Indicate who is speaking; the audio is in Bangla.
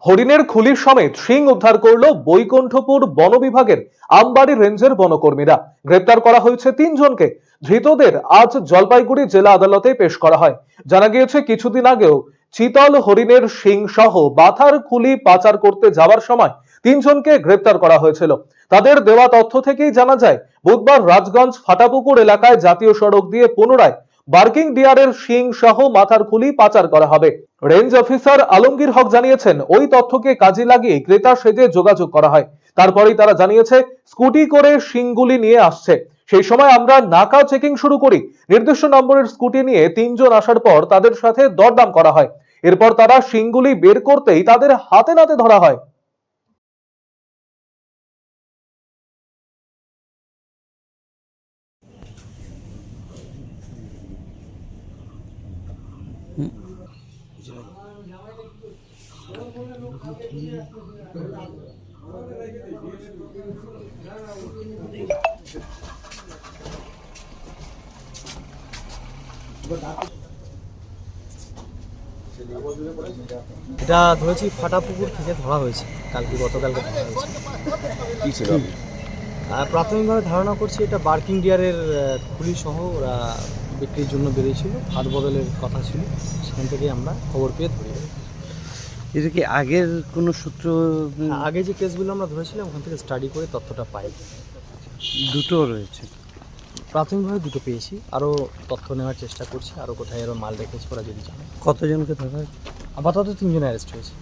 Speaker 1: হরিণের খুলির সমেত শিং উদ্ধার করলো বৈকুণ্ঠপুর বন বিভাগের আমবাড়ি রেঞ্জের বনকর্মীরা। গ্রেপ্তার করা হয়েছে 3 জনকে। ধৃতদের আজ জলপাইগুড়ি জেলা আদালতে পেশ করা হয়। জানা গিয়েছে কিছুদিন আগেও চিতল হরিণের শিং সহ বাথার খুলি পাচার করতে যাওয়ার সময় 3 জনকে গ্রেপ্তার করা হয়েছিল। তাদের দেওয়া তথ্য থেকেই জানা যায় বুধবার রাজগঞ্জ ফাটাপুকুর এলাকায় জাতীয় সড়ক দিয়ে পুনরায় বার্কিং ডিয়ারের শিং সহ মাথার খুলি পাচার করা হবে। রেঞ্জ অফিসার আলমগীর হক জানিয়েছেন, ওই তথ্যকে কাজে লাগিয়ে ক্রেতা সেজে যোগাযোগ করা হয়। তারপরেই তারা জানিয়েছে স্কুটি করে শিংগুলি নিয়ে আসছে। সেই সময় আমরা নাকা চেকিং শুরু করি। নির্দিষ্ট নম্বরের স্কুটি নিয়ে 3 জন আসার পর তাদের সাথে দরদাম করা হয়। এরপর তারা শিংগুলি বের করতেই তাদের হাতে নাতে ধরা হয়।
Speaker 2: এটা ধরেছি ফাটাপুকুর থেকে ধরা হয়েছে, গতকালকে ধরা হয়েছে।
Speaker 3: কি ছিল?
Speaker 2: প্রাথমিকভাবে ধারণা করছি এটা বার্কিং ডিয়ারের খুলি সহ ওরা বিক্রির জন্য বেরিয়েছিল, হাত বদলের কথা ছিল, সেখান থেকে আমরা খবর পেয়ে ধরি।
Speaker 3: এটা কি আগের কোনো সূত্র?
Speaker 2: আগে যে কেসগুলো আমরা ধরেছিলাম ওখান থেকে স্টাডি করে তথ্যটা পাই।
Speaker 3: দুটো রয়েছে,
Speaker 2: প্রাথমিকভাবে দুটো পেয়েছি, আরও তথ্য নেওয়ার চেষ্টা করছি, আরও কোথায় আরও মাল রেখেছে ওরা যদি জানে।
Speaker 3: কতজনকে ধরা?
Speaker 2: আপাতত 3 জন অ্যারেস্ট হয়েছে।